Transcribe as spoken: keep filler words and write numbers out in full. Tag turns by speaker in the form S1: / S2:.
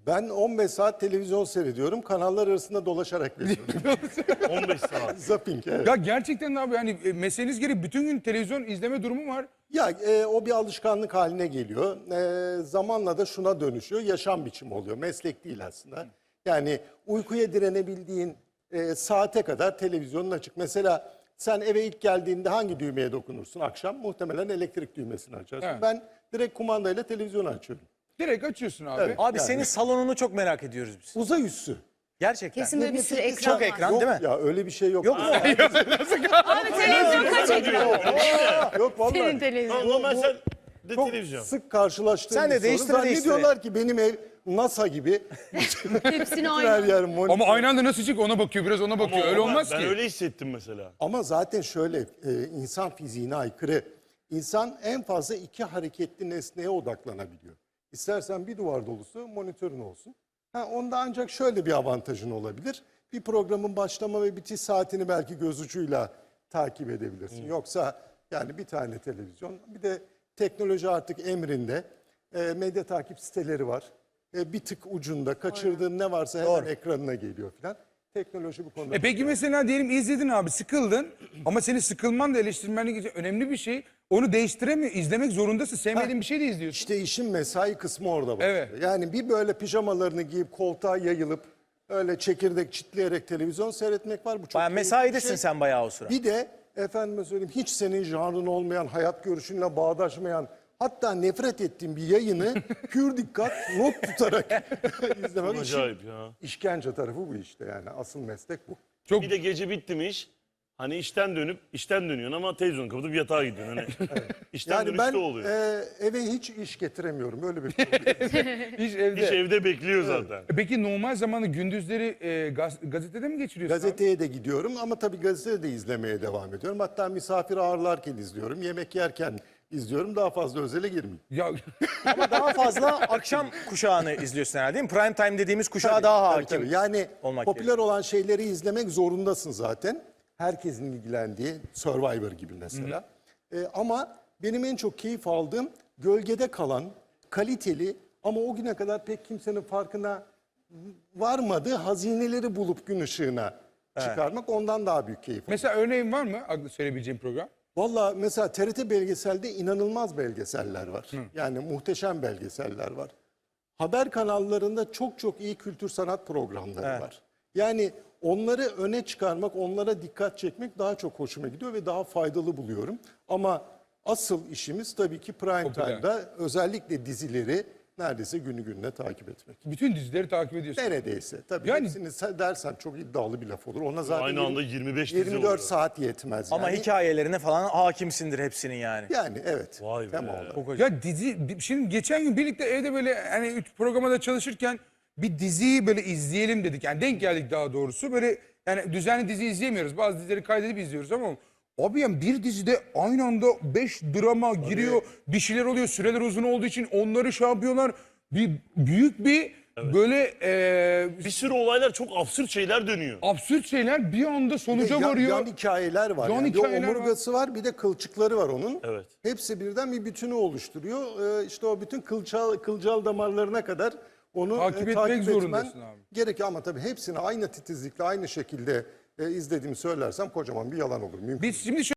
S1: Ben on beş saat televizyon seyrediyorum. Kanallar arasında dolaşarak veriyorum.
S2: on beş saat.
S1: Zapping, evet.
S3: Ya gerçekten abi yani e, mesleğiniz gereği bütün gün televizyon izleme durumu var.
S1: Ya e, o bir alışkanlık haline geliyor. E, zamanla da şuna dönüşüyor. Yaşam biçimi oluyor. Meslek değil aslında. Yani uykuya direnebildiğin e, saate kadar televizyonun açık. Mesela sen eve ilk geldiğinde hangi düğmeye dokunursun akşam? Muhtemelen elektrik düğmesini açarsın.
S3: Evet.
S1: Ben direkt kumandayla televizyonu açıyorum.
S3: Direkt açıyorsun abi.
S1: Evet.
S4: Abi
S1: Yani.
S4: senin salonunu çok merak ediyoruz biz.
S1: Uzay üssü.
S4: Gerçekten.
S5: Kesin böyle bir sürü ekran
S4: Çok
S5: var.
S4: ekran
S1: Yok
S4: değil mi?
S1: ya, öyle bir şey yok.
S4: Yok mu?
S5: Abi televizyon kaç ekran?
S1: Yok vallahi.
S5: Senin televizyon.
S2: Normal sen de
S1: Çok
S2: televizyon.
S1: sık karşılaştığım
S4: Sen de
S1: bir soru.
S4: değiştire
S1: Zannediyorlar ki benim ev NASA gibi.
S5: Hepsini
S1: Her
S5: aynı.
S1: yer monitör.
S3: Ama aynı anda nasıl çık ona bakıyor biraz ona bakıyor. Öyle
S2: Ama
S3: olmaz
S2: ben
S3: ki.
S2: öyle hissettim mesela.
S1: Ama zaten şöyle e, insan fiziğine aykırı. İnsan en fazla iki hareketli nesneye odaklanabiliyor. İstersen bir duvar dolusu monitörün olsun. Ha, onda ancak şöyle bir avantajın olabilir. Bir programın başlama ve bitiş saatini belki göz ucuyla takip edebilirsin. Yoksa yani bir tane televizyon, bir de teknoloji artık emrinde. E, medya takip siteleri var. E, bir tık ucunda kaçırdığın ne varsa hemen
S4: Doğru.
S1: ekranına geliyor falan. Teknoloji bu konuda.
S3: E peki mesela diyelim izledin abi sıkıldın ama senin sıkılman da eleştirmenlik için önemli bir şey. Onu değiştiremiyor. İzlemek zorundasın. Sevmediğin bir şey de izliyorsun.
S1: İşte işin mesai kısmı orada başlıyor.
S3: Evet.
S1: Yani bir böyle pijamalarını giyip koltuğa yayılıp öyle çekirdek çitleyerek televizyon seyretmek var. Bu çok
S4: Bayağı
S1: keyifli bir
S4: mesaidesin
S1: şey.
S4: sen bayağı o sıra.
S1: Bir de efendime söyleyeyim hiç senin janrın olmayan, hayat görüşünle bağdaşmayan, hatta nefret ettiğin bir yayını pür dikkat not tutarak izlemek. İşin
S2: Acayip ya.
S1: işkence tarafı bu işte yani. Asıl meslek bu.
S3: Çok
S2: Bir de gece bitti mi iş? Hani işten dönüp işten dönüyorsun ama televizyon kapatıp yatağa gidiyorsun. Hani işten
S1: Yani ben
S2: dönüşte oluyor.
S1: e, eve hiç iş getiremiyorum. Öyle bir problem.
S3: iş evde.
S2: İş evde bekliyor zaten.
S3: E Peki normal zamanı gündüzleri e, gaz, gazetede mi geçiriyorsun? abi?
S1: Gazeteye de gidiyorum ama tabii gazetede de izlemeye devam ediyorum. Hatta misafir ağırlarken izliyorum, yemek yerken izliyorum. Daha fazla özele girmeyeyim.
S3: Ya
S4: Ama daha fazla akşam kuşağını izliyorsun herhalde değil mi? Prime time dediğimiz kuşağa
S1: Tabii,
S4: daha
S1: tabii,
S4: hakim.
S1: tabii. Yani
S4: olmak
S1: popüler
S4: gerekiyor.
S1: olan şeyleri izlemek zorundasın zaten. Herkesin ilgilendiği Survivor gibi mesela. Ee, ama benim en çok keyif aldığım gölgede kalan, kaliteli ama o güne kadar pek kimsenin farkına varmadığı hazineleri bulup gün ışığına çıkarmak ondan daha büyük keyif.
S3: mesela örneğin var mı aklı söyleyebileceğim program?
S1: Valla mesela T R T belgeselde inanılmaz belgeseller var. Yani muhteşem belgeseller var. Haber kanallarında çok çok iyi kültür sanat programları
S4: Evet.
S1: var. Yani onları öne çıkarmak, onlara dikkat çekmek daha çok hoşuma gidiyor ve daha faydalı buluyorum. Ama asıl işimiz tabii ki prime
S3: Popüler.
S1: time'da özellikle dizileri neredeyse günü gününe takip etmek.
S3: Bütün dizileri takip ediyorsun.
S1: Neredeyse. Tabii
S3: Yani-
S1: hepsini se- dersen çok iddialı bir laf olur. Ona zaten
S2: Aynı anda yirmi beş dizi
S1: yirmi dört
S2: oluyor.
S1: saat yetmez.
S4: Ama
S1: yani.
S4: hikayelerine falan hakimsindir hepsinin yani.
S1: Yani evet.
S2: Vay be.
S1: Tema olarak.
S4: Çok acayip.
S3: Ya dizi şimdi geçen gün birlikte evde böyle hani üç programa da çalışırken bir diziyi böyle izleyelim dedik. Yani denk geldik daha doğrusu. Böyle yani düzenli dizi izleyemiyoruz. Bazı dizileri kaydedip izliyoruz ama abi yani bir dizide aynı anda beş drama giriyor. Bir şeyler oluyor. Süreler uzun olduğu için onları şey yapıyorlar. Bir büyük bir böyle e,
S2: Bir sürü olaylar çok absürt şeyler dönüyor.
S3: absürt şeyler bir anda
S1: Bir de
S3: sonuca
S1: yan,
S3: varıyor.
S1: yan hikayeler var.
S3: Yan
S1: yani.
S3: hikayeler
S1: bir omurgası var. bir de kılçıkları var onun.
S2: Evet.
S1: Hepsi birden bir bütünü oluşturuyor. Ee, işte o bütün kılcal, kılcal damarlarına kadar onu
S3: Takip
S1: e,
S3: etmek
S1: takip etmen
S3: zorundasın abi.
S1: gerekiyor. Ama tabii hepsini aynı titizlikle, aynı şekilde e, izlediğimi söylersem kocaman bir yalan olur. Mümkün
S3: Biz şimdi